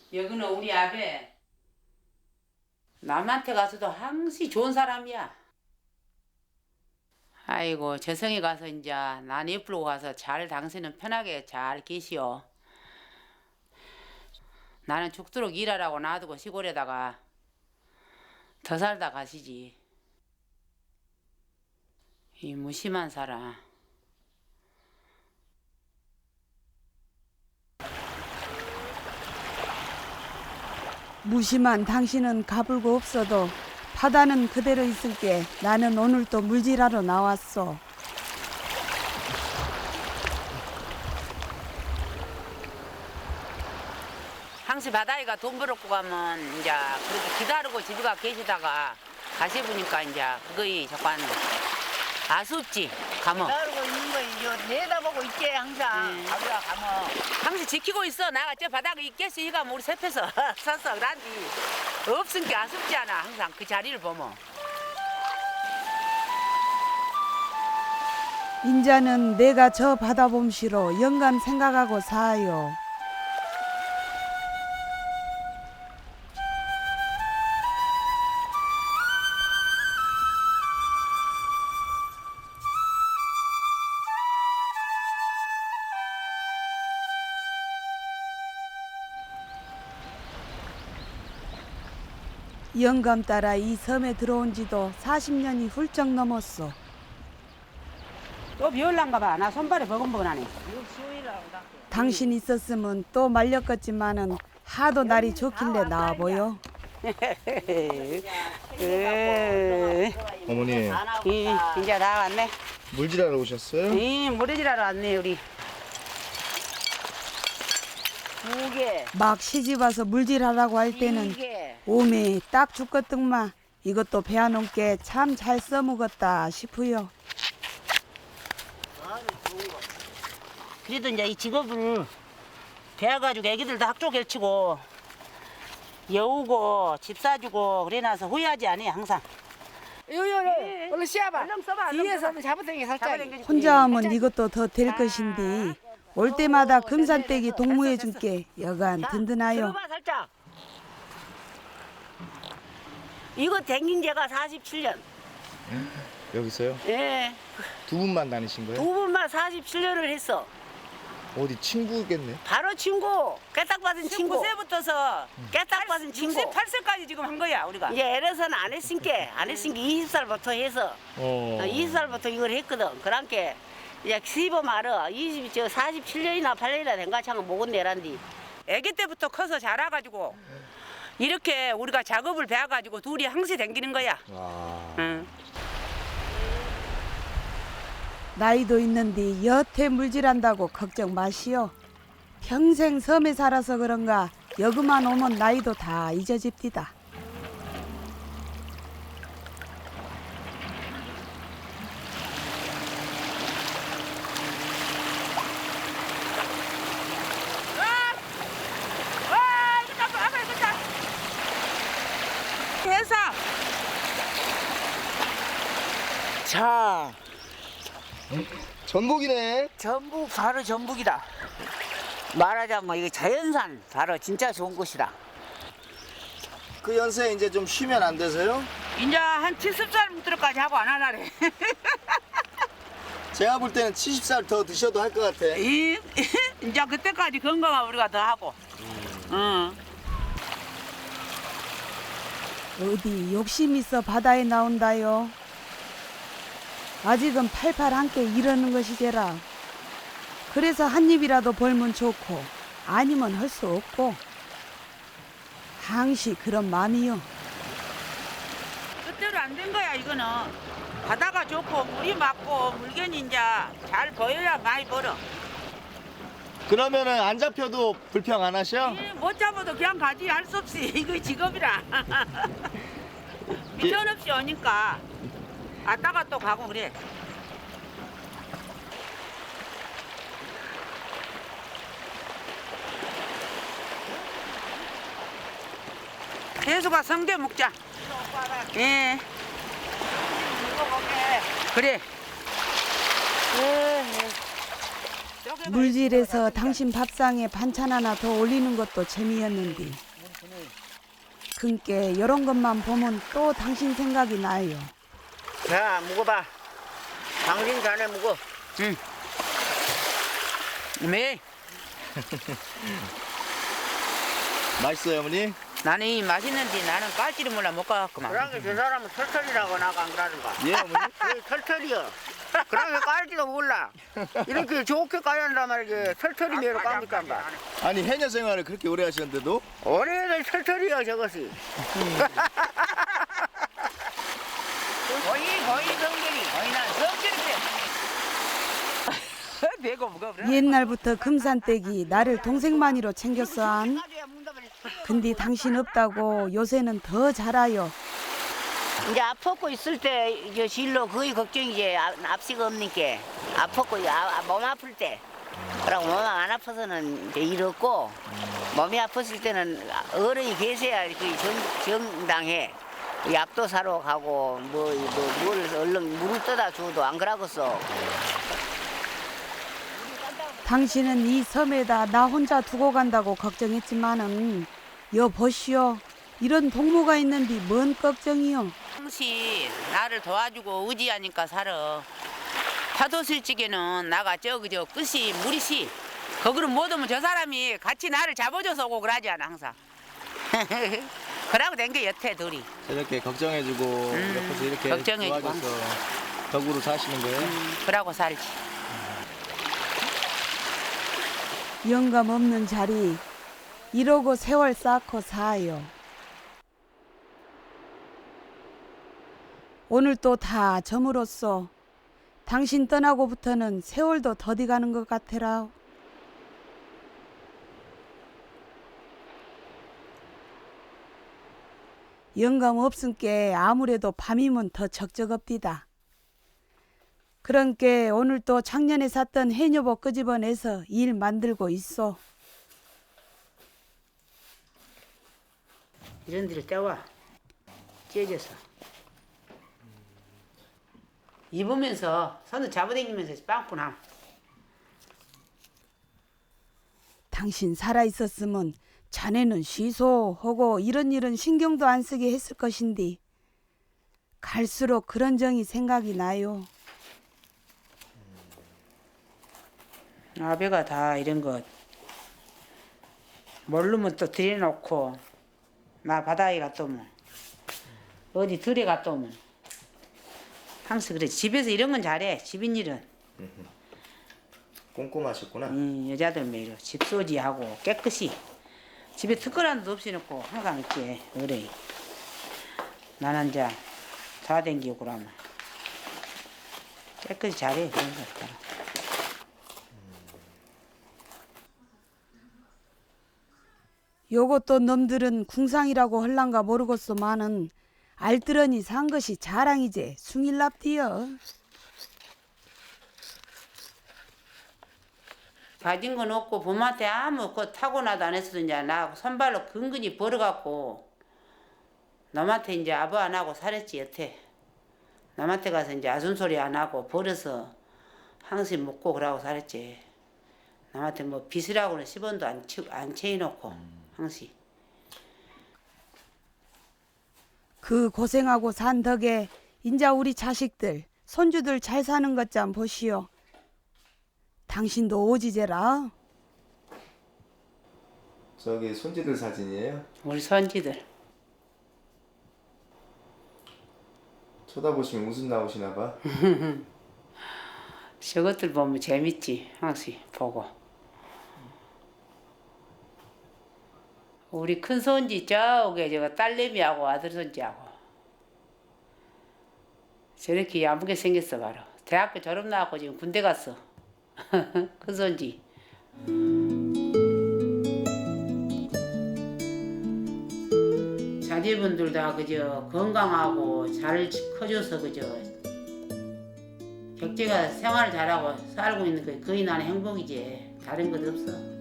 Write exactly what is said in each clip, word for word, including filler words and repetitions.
여기는 우리 아베. 남한테 가서도 항시 좋은 사람이야. 아이고 저성이 가서 이제 난 옆으로 가서 잘 당신은 편하게 잘 계시오. 나는 죽도록 일하라고 놔두고 시골에다가 더 살다 가시지. 이 무심한 사람. 무심한 당신은 가불고 없어도 바다는 그대로 있을게. 나는 오늘 또 물질하러 나왔어. 항시 바다에가 돈 벌었고 가면 이제 그렇게 기다리고 집에 가 계시다가 다시 보니까 이제 그거이 잠깐 아쉽지 가면. 기다리고 있는 거 이제 내다보고 있지 항상. 음. 아버지가 가면. 항시 지키고 있어. 나가 저 바닥에 있겠어. 이가 우리 셋에서 섰어. 그란디 없으니까 아쉽지 않아. 항상 그 자리를 보면. 인자는 내가 저 바다 봄시로 영감 생각하고 사요. 영감 따라 이 섬에 들어온 지도 사십 년이 훌쩍 넘었어. 또 비올란가 봐. 나 손발이 버금버금하네. 당신 있었으면 또 말렸겠지만은 하도 날이 좋길래 나와 보여. 어머니 이, 이제 다 왔네. 물질하러 오셨어요? 이 모래질하러 왔네 우리. 두 개. 막 시집 와서 물질하라고 할 때는 개. 오메 딱 죽겠등마. 이것도 배워놓게 참 잘 써먹었다 싶어요. 그래도 이제 이 직업을 배워가지고 애기들도 학교 결치고 여우고 집 사주고 그래놔서 후회하지 않아요 항상. 요요요 얼른 씌워봐. 얼른 써봐. 뒤에서 잡아당겨 살짝. 혼자 하면 이것도 더 될 것인데 올 때마다 금산떼기 동무해줄게 여간 든든하요. 들어봐 살짝. 이거 댕긴 지가 사십칠 년. 여기서요? 예. 두 분만 다니신 두 거예요? 분만 사십칠 년을 했어. 어디 친구겠네. 바로 친구. 깨딱받은 친구. 십구 세부터서 깨딱받은 친구. 육십팔 세까지 지금 한 거야 우리가. 이제 에레서는 안 했으니까 안 했으니까 이십 살부터 해서 어. 이십 살부터 이걸 했거든. 그러니까 이제 시범 알아. 이십, 저 사십칠 년이나 팔 년이나 된 가창은 목은 내란디. 아기 때부터 커서 자라가지고 이렇게 우리가 작업을 배워가지고 둘이 항시 댕기는 거야. 아. 응. 나이도 있는데 여태 물질한다고 걱정 마시오. 평생 섬에 살아서 그런가 여기만 오면 나이도 다 잊어집디다. 와 이거 잡아 앞에 이거 잡. 해서 자, 전복이네. 전북 바로 전북이다. 말하자면 이거 자연산 바로 진짜 좋은 곳이다. 그 연세 이제 좀 쉬면 안 되세요? 이제 한 칠십 살부터까지 하고 안 하나래. 제가 볼 때는 칠십 살 더 드셔도 할 것 같아. 이 이제 그때까지 건강한 우리가 더 하고. 응. 어디 욕심 있어 바다에 나온다요. 아직은 팔팔 함께 이러는 것이제라. 그래서 한 입이라도 벌면 좋고 아니면 할 수 없고 항시 그런 마음이요. 뜻대로 안 된 거야 이거는. 바다가 좋고 물이 맑고 물견이 이제 잘 보여야 많이 벌어. 그러면은 안 잡혀도 불평 안 하셔? 이 못 잡아도 그냥 가지 할 수 없이 이거 직업이라. 미련 없이 오니까 왔다가 또 가고 그래. 해수가 성게 먹자. 예. 그래. 예, 예. 물질에서 당신 밥상에 반찬 하나 더 올리는 것도 재미였는데 그께 이런 것만 보면 또 당신 생각이 나요. 자, 묵어봐. 당신 자네 묵어. 응. 매. 맛있어요, 어머니? 나는 이 맛있는데 나는 깔지를 몰라 못 가겠구만. 그러게 저 사람은 털털이라고 나가 안 그러는가? 예, 어머니? 그 털털이요. 그러게 깔지도 몰라. 이렇게 좋게 까야 한단 말이지. 털털이 매로 깝니까 봐. 아니, 해녀 생활을 그렇게 오래 하셨는데도 올해는 털털이요 저것이. 거의 거의 성질이 거의 난 성질인데. 배고 무거워. 옛날부터 금산댁이 나를 동생만이로 챙겼어 안? 근데 당신 없다고 요새는 더 잘아요. 이제 아팠고 있을 때 이제 실로 거의 걱정이지. 아, 앞시가 없니까 아팠고 아, 몸 아플 때. 그러고 몸 안 아파서는 이제 일 없고 몸이 아팠을 때는 어른이 계셔야 그 정, 정당해. 약도 사러 가고 뭐뭘 얼른 물을 떠다 줘도 안 그러겠어. 당신은 이 섬에다 나 혼자 두고 간다고 걱정했지만은 여보시오. 이런 동무가 있는데 뭔 걱정이요. 당신 나를 도와주고 의지하니까 살아. 파도 쓸 적에는 나가 저기 저 끝이 물이시. 거기는 못 오면 저 사람이 같이 나를 잡아줘서 오고 그러지 않아 항상. 그러고 된 게 여태 둘이. 저렇게 걱정해주고 옆에서 이렇게 걱정해주고 도와줘서 덕으로 사시는 거예요? 음, 그러고 살지. 영감 없는 자리 이러고 세월 쌓고 사요. 오늘 또 다 점으로써 당신 떠나고부터는 세월도 더디 가는 것 같으라. 영감 없은께 아무래도 밤이면 더 적적업디다. 그런께 오늘 또 작년에 샀던 해녀복 끄집어내서 일 만들고 있어. 이런 데를 떼와. 찢어서. 입으면서 손을 잡아당기면서 빵꾸나. 당신 살아있었으면 자네는 쉬소하고 이런 일은 신경도 안 쓰게 했을 것인데 갈수록 그런 정이 생각이 나요. 아베가 다 이런 것 모르면 또 들여놓고 나 바다에 갔다 오면 어디 들에 갔다 오면 항상 그래. 집에서 이런 건 잘해. 집인일은 꼼꼼하셨구나. 음, 여자들 매일 집掃除하고 깨끗이 집에 특별한 도 없이 놓고 항상 이렇게 어래. 나는 이제 돌아다니고 그러면 깨끗이 잘해. 그런 것 같아. 요것도 놈들은 궁상이라고 헐란가 모르겠소만은 알뜰하니 산 것이 자랑이제 숭일납디여. 가진 건 없고 봄한테 아무 그 타고나도 안 했어도 이제 나 손발로 근근히 벌어갖고 남한테 이제 아부 안 하고 살았지 여태. 남한테 가서 이제 아순소리 안 하고 벌어서 항상 먹고 그러고 살았지. 남한테 뭐 빚이라고는 십 원도 안, 치, 안 채워놓고 항상. 그 고생하고 산 덕에 인자 우리 자식들 손주들 잘 사는 것 좀 보시오. 당신도 오지제라. 저기 손지들 사진이에요? 우리 손지들. 쳐다보시면 웃음 나오시나 봐. 저것들 보면 재밌지 항상 보고. 우리 큰 손지 저게 저거 딸내미하고 아들 손지하고 저렇게 야무게 생겼어 바로. 대학교 졸업 나왔고 지금 군대 갔어. 큰 손지. 자제분들 다 그저 건강하고 잘 커져서 그저 격제가 생활을 잘하고 살고 있는 게 거의 나는 행복이지. 다른 것 없어.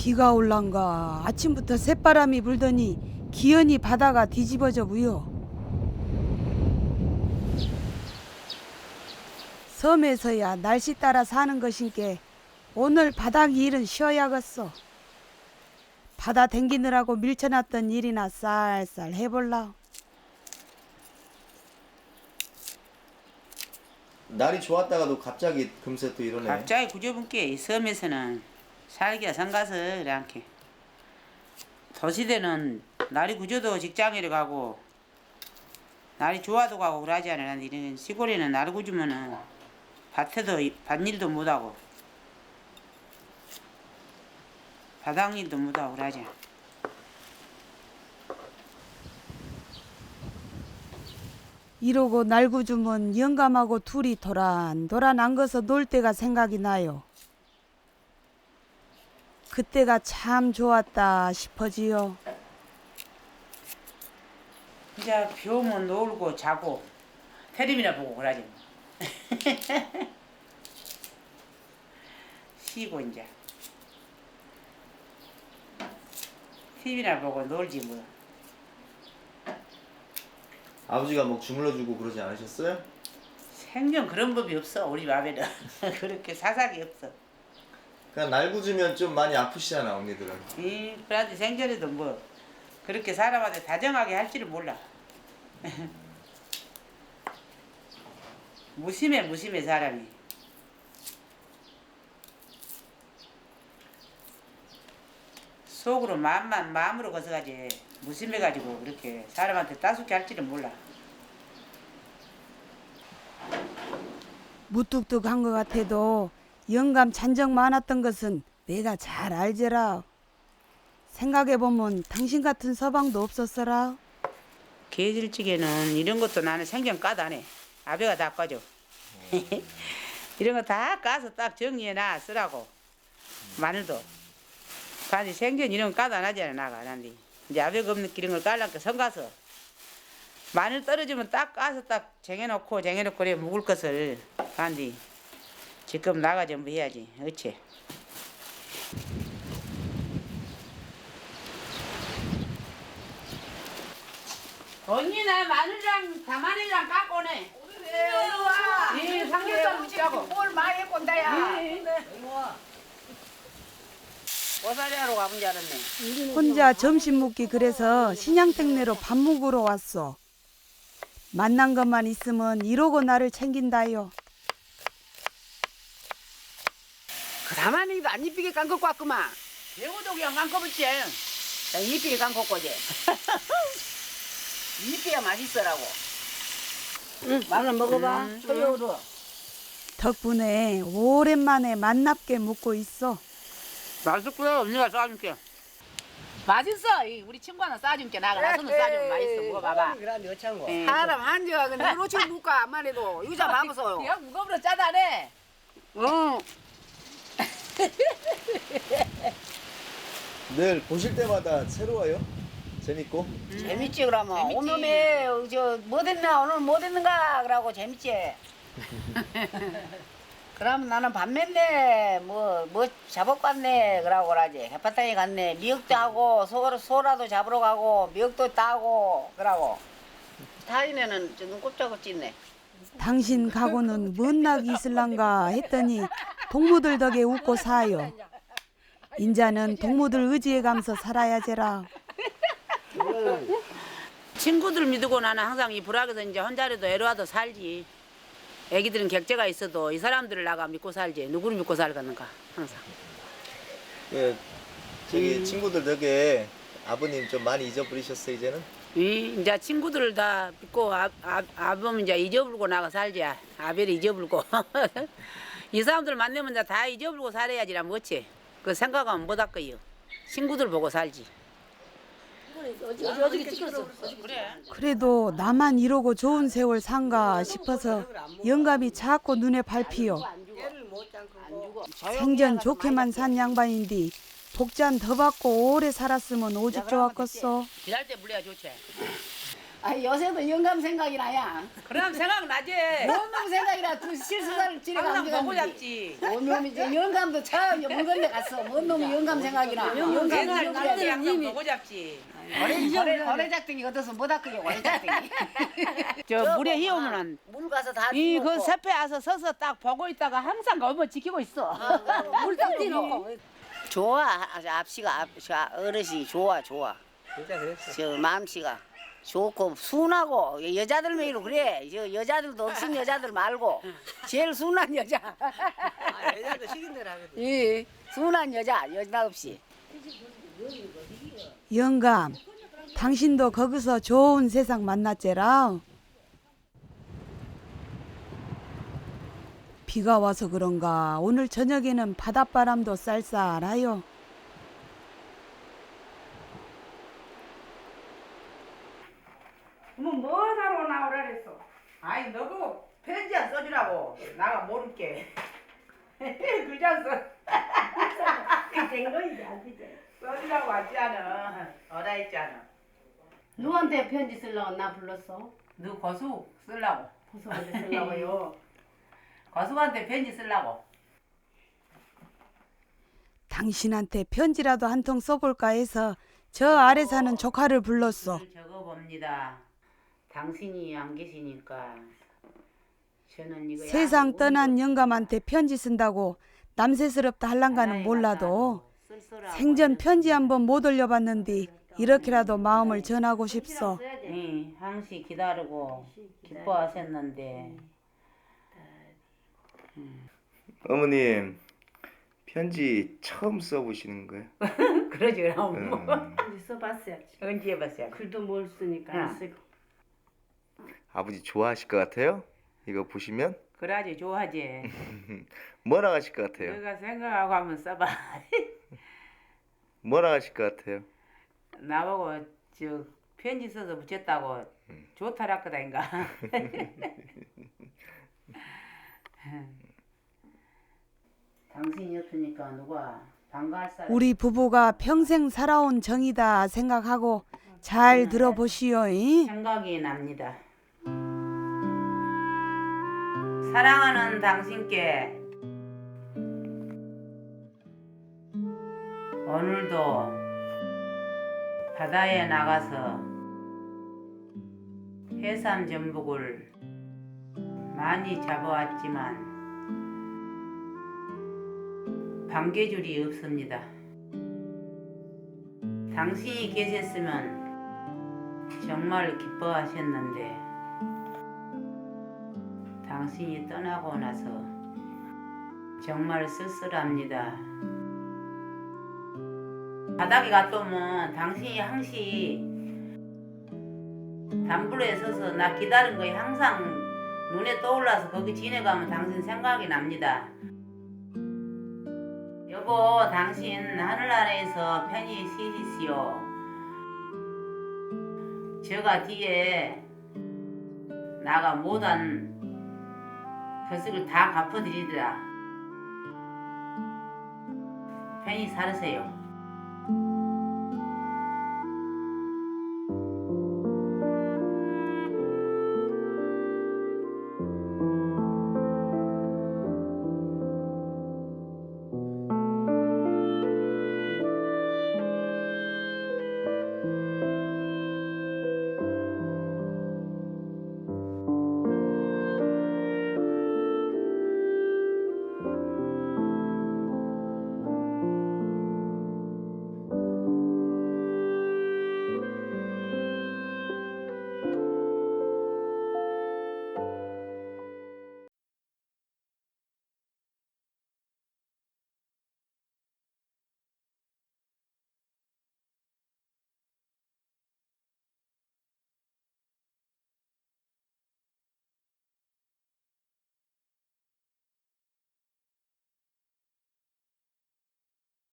비가 올란가 아침부터 새바람이 불더니 기연이 바다가 뒤집어져 무요. 섬에서야 날씨 따라 사는 것인께 오늘 바닥 일은 쉬어야겠어. 바다 댕기느라고 밀쳐놨던 일이나 쌀쌀 해볼라. 날이 좋았다가도 갑자기 금세 또 이러네. 갑자기 구조분께 이 섬에서는 살기가 성가서 이렇게 도시대는 날이 구조도 직장에 가고 날이 좋아도 가고 그러지 않아. 이런 시골에는 날 구주면은 밭에도 밭일도 못하고 바닥일도 못하고 그러지. 이러고 날구주면 영감하고 둘이 도란도란 안거서 놀 때가 생각이 나요. 그때가 참 좋았다 싶어지요. 이제 비 오면 놀고 자고 텔레비나 보고 그러지. 쉬고 이제 티비나 보고 놀지 뭐. 아버지가 뭐 주물러주고 그러지 않으셨어요? 생전 그런 법이 없어 우리 밥에는. 그렇게 사삭이 없어. 그냥 날 굳으면 좀 많이 아프시잖아 언니들은. 이 그런데 생전에도 뭐 그렇게 사람한테 다정하게 할 줄을 몰라. 무심해 무심해 사람이. 속으로 마음만 마음으로 거서가지 무심해가지고 그렇게 사람한테 따숩게 할 줄은 몰라. 무뚝뚝한 것 같아도 영감 잔정 많았던 것은 내가 잘 알제라. 생각해보면 당신 같은 서방도 없었어라. 계절찌개는 이런 것도 나는 생전 까도 안 해. 아베가 다 까줘. 이런 거 다 까서 딱 정리해놔 쓰라고. 마늘도. 근데 생전 이런 거 까도 안 하잖아 나가. 난데 이제 아베가 없는 이런 걸 깔라니까 성가서 마늘 떨어지면 딱 까서 딱 쟁여놓고 쟁여놓고 그래 묵을 것을. 근데 지금 나가 전부 해야지. 어째. 언니 나 마늘이랑 다마늘이랑 깎고 오네. 예, 삼겹살 먹자고. 뭘 많이 꼰다야. 고사리 하러 가본 줄 알았네. 혼자 점심 먹기 그래서 신양택내로 밥 먹으러 왔어. 만난 것만 있으면 이러고 나를 챙긴다요. 그 다만이도 안 이쁘게 깐 것고 왔구만. 배우도 그냥 깎아붙지. 이쁘게 깎고 거지. 이쁘야 맛있어라고. 응, 마늘 먹어봐. 음, 소요로. 덕분에 오랜만에 만납게 먹고 있어. 맛있고요. 언니가 싸줄게. 맛있어. 이 우리 친구 하나 싸줄게. 나가 나서는 싸주면 맛있어. 먹어봐봐. 예. 사람 한지가 근데 이렇게 묵까 안만 해도 유자 봐보소. 그냥 무거우로 짜다네. 응. 늘 보실 때마다 새로워요? 재밌고? 재밌지 그러면 재밌지. 오늘에 저뭐 됐나 오늘 뭐 됐는가 그러고 재밌지. 그럼 나는 밥 맸네 뭐 뭐 잡업 갔네 그러고 그러지. 해파탕에 갔네 미역도 하고 소, 소라도 잡으러 가고 미역도 따고 그러고 타인에는 좀 꼼짝없 찢네. 당신 가고는 뭔 낙이 있을란가 했더니 동무들 덕에 웃고 사요. 인자는 동무들 의지에 감서 살아야제라. 친구들 믿고 나는 항상 이 불악에서 이제 혼자라도 애로와도 살지. 애기들은 객재가 있어도 이 사람들을 나가 믿고 살지. 누구를 믿고 살겠는가 항상. 예, 저기 친구들 덕에 아버님 좀 많이 잊어버리셨어요 이제는? 이 이제 친구들을 다 믿고 아, 아, 아범 이제 잊어불고 나가 살지. 아벨을 잊어불고. 이 사람들 만나면 이제 다 잊어불고 살아야지라 뭐지. 그 생각하면 못할 거요. 친구들 보고 살지. 그래도 나만 이러고 좋은 세월 산가 싶어서 영감이 자꾸 눈에 밟히요. 생전 좋게만 산 양반인데 복잔 더 받고 오래 살았으면 오죽 좋았겠어. 일할 때 물려야 좋지. 아 요새도 영감 생각이 나야. 그럼 생각나지. 원놈 생각이라 두 실수사를 지내가 항상 안 보고 되겠는데. 잡지. 원놈이 이제 영감도 참 먼 데 갔어. 원놈이 영감 생각이나. 영감 옛날 날때 생각이 항상 보고 잡지. 고래 고래 작등이 얻어서 못 아끼게 고래 작등이. 저 물에 희우면은 물 가서 다 이 그 죽었고. 섭에 와서 서서 딱 보고 있다가 항상 그 어머 지키고 있어. 물딱 뛰놓고. 좋아. 아주 앞시가 앞, 저 어르신이 좋아 좋아. 진짜 그랬어. 저 마음씨가 좋고 순하고 여자들 매일 그래. 저 여자들도 없은 여자들 말고 제일 순한 여자. 아, 여자도 시킨 대로 하거든. 예, 순한 여자 여자 없이. 영감, 당신도 거기서 좋은 세상 만났제라. 비가 와서 그런가 오늘 저녁에는 바닷바람도 쌀쌀하요. 뭐 뭐하러 나오라 그랬어? 아이 너도 편지 안 써주라고. 나가 모를게. 그냥 써. 된 거이지 안 되지. 써주라고 하지않아. 어라 했잖아. 누구한테 편지 쓰려고 나 불렀어? 너 거수 쓰려고. 고소한테 쓰려고요. 거수한테 편지 쓰려고. 당신한테 편지라도 한 통 써볼까 해서 저 아래 사는 조카를 불렀어. 적어봅니다. 당신이 안 계시니까 저는 이거 세상 떠난 영감한테 편지 쓴다고 남세스럽다 할랑가는 몰라도 생전 편지 한번 못 올려봤는데 이렇게라도 마음을 전하고 싶소. 응, 항시 기다리고 기뻐하셨는데 어머님 편지 처음 써보시는 거예요? 그러지 그럼 음, 우리 써봤어야지. 언제 해봤어요? 글도 못 쓰니까 응. 안 쓰고. 아버지 좋아하실 것 같아요? 이거 보시면 그래야지 좋아하지. 뭐라 하실 것 같아요? 내가 생각하고 한번 써봐. 뭐라 하실 것 같아요? 나보고 저 편지 써서 붙였다고 좋다랄 거다인가. 당신이 없으니까 누가 반가할 사람. 우리 부부가 평생 살아온 정이다 생각하고 잘 들어보시오. 이? 생각이 납니다. 사랑하는 당신께 오늘도 바다에 나가서 해삼 전복을 많이 잡아왔지만 반개줄이 없습니다. 당신이 계셨으면 정말 기뻐하셨는데 당신이 떠나고 나서 정말 쓸쓸합니다. 바닥에 갔더면 당신이 항시 담불에 서서 나 기다린 거에 항상 눈에 떠올라서 거기 지내가면 당신 생각이 납니다. 여보, 당신 하늘나라에서 편히 쉬시오. 제가 뒤에 나가 못한 것을 다 갚아드리더라. 편히 살으세요.